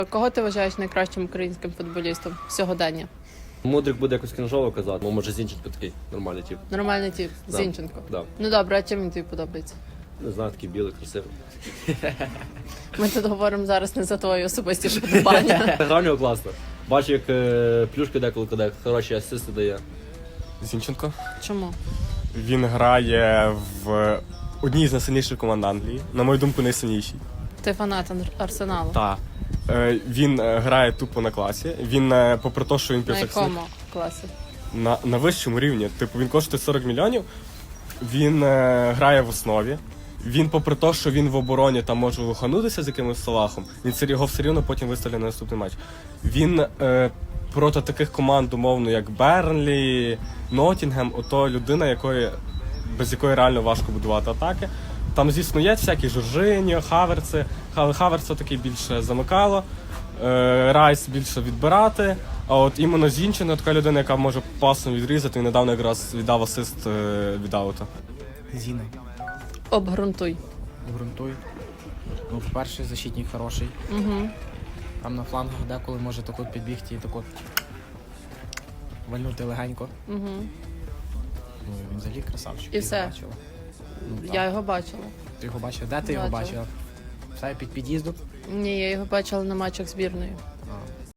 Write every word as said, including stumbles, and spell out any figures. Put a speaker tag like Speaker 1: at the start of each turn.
Speaker 1: Кого ти вважаєш найкращим українським футболістом сьогодення?
Speaker 2: Мудрик буде якось кінжово казати, бо може Зінченко такий нормальний тип.
Speaker 1: Нормальний тип,
Speaker 2: Да.
Speaker 1: Зінченко.
Speaker 2: Да.
Speaker 1: Ну добре, а чим він тобі подобається?
Speaker 2: Не знаю, такий білий, красивий.
Speaker 1: Ми тут говоримо зараз не за твої особисті вподобання.
Speaker 2: Гра в нього класна. Бачу, як е, плюшки деколи кидає, хороші асисти дає.
Speaker 3: Зінченко.
Speaker 1: Чому?
Speaker 3: Він грає в одній з найсильніших команд Англії. На мою думку, найсильнішій.
Speaker 1: Ти фанат Арсеналу?
Speaker 3: Так. Е, він е, грає тупо на класі. Він, е, попри те, що він
Speaker 1: На
Speaker 3: півзахисник,
Speaker 1: якому класі?
Speaker 3: на, на вищому рівні. Типу, він коштує сорок мільйонів, він е, грає в основі. Він, попри те, що він в обороні там може лоханутися з якимось Салахом, він все- його все рівно потім виставляє на наступний матч. Він е, проти таких команд, умовно, як Бернлі, Ноттінгем, ото людина, якої, без якої реально важко будувати атаки. Там, звісно, є всякі Жоржиньо, Хаверци, але Хаверц такий більше замикало, е, Райс більше відбирати, а от іменно Зінченко така людина, яка може пасом відрізати, і недавно якраз віддав асист е, від аута.
Speaker 4: Зіна,
Speaker 1: Обґрунтуй.
Speaker 4: обґрунтуй. Ну, по-перше, защитник хороший.
Speaker 1: Угу.
Speaker 4: Там на флангах деколи може так от підбігти і так от вальнути легенько.
Speaker 1: Угу.
Speaker 4: Ну, він взагалі красавчик.
Speaker 1: І
Speaker 4: Ти його
Speaker 1: все?
Speaker 4: бачила? Ну, так.
Speaker 1: Я його бачила.
Speaker 4: Ти його бачила? Де ти його
Speaker 1: Бачила.
Speaker 4: бачила? Все під під'їздом?
Speaker 1: Ні, я його бачила на матчах збірної.